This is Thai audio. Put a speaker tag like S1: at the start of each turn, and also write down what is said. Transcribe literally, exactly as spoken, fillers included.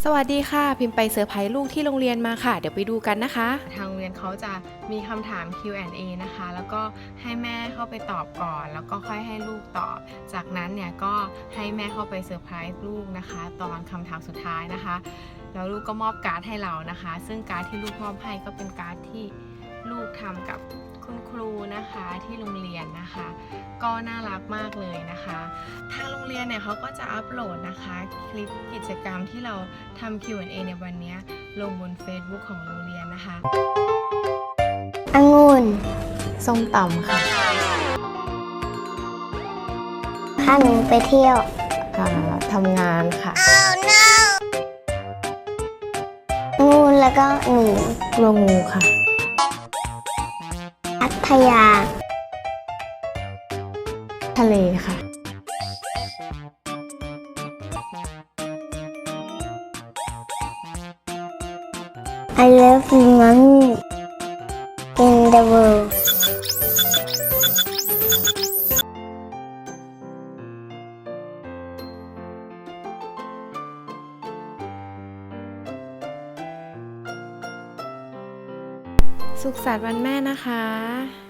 S1: สวัสดีค่ะพิมพ์ไปเซอร์ไพรส์ลูกที่โรงเรียนมาค่ะเดี๋ยวไปดูกันนะคะ
S2: ทางโรงเรียนเขาจะมีคำถาม คิว แอนด์ เอ นะคะแล้วก็ให้แม่เข้าไปตอบก่อนแล้วก็ค่อยให้ลูกตอบจากนั้นเนี่ยก็ให้แม่เข้าไปเซอร์ไพรส์ลูกนะคะตอนคำถามสุดท้ายนะคะแล้วลูกก็มอบการ์ดให้เรานะคะซึ่งการ์ดที่ลูกมอบให้ก็เป็นการ์ดที่ลูกทำกับคุณครูนะคะที่โรงเรียนนะคะก็น่ารักมากเลยนะคะทางโรงเรียนเนี่ยเขาก็จะอัปโหลดนะคะคลิปกิจกรรมที่เราทำ คิว แอนด์ เอ ในวันนี้ลงบน Facebook ของโรงเรียนนะคะ
S3: องุ่น
S1: ส้มตำค่ะ
S3: พาหนูไปเที่ยว
S1: ทำงานค่ะ
S3: oh, no. งูแล้วก็หนู
S1: กลัวงูค่ะ
S3: พัทยา
S1: ทะเลค่ะ
S3: I love money in the world
S1: สุขสันต์วันแม่นะคะ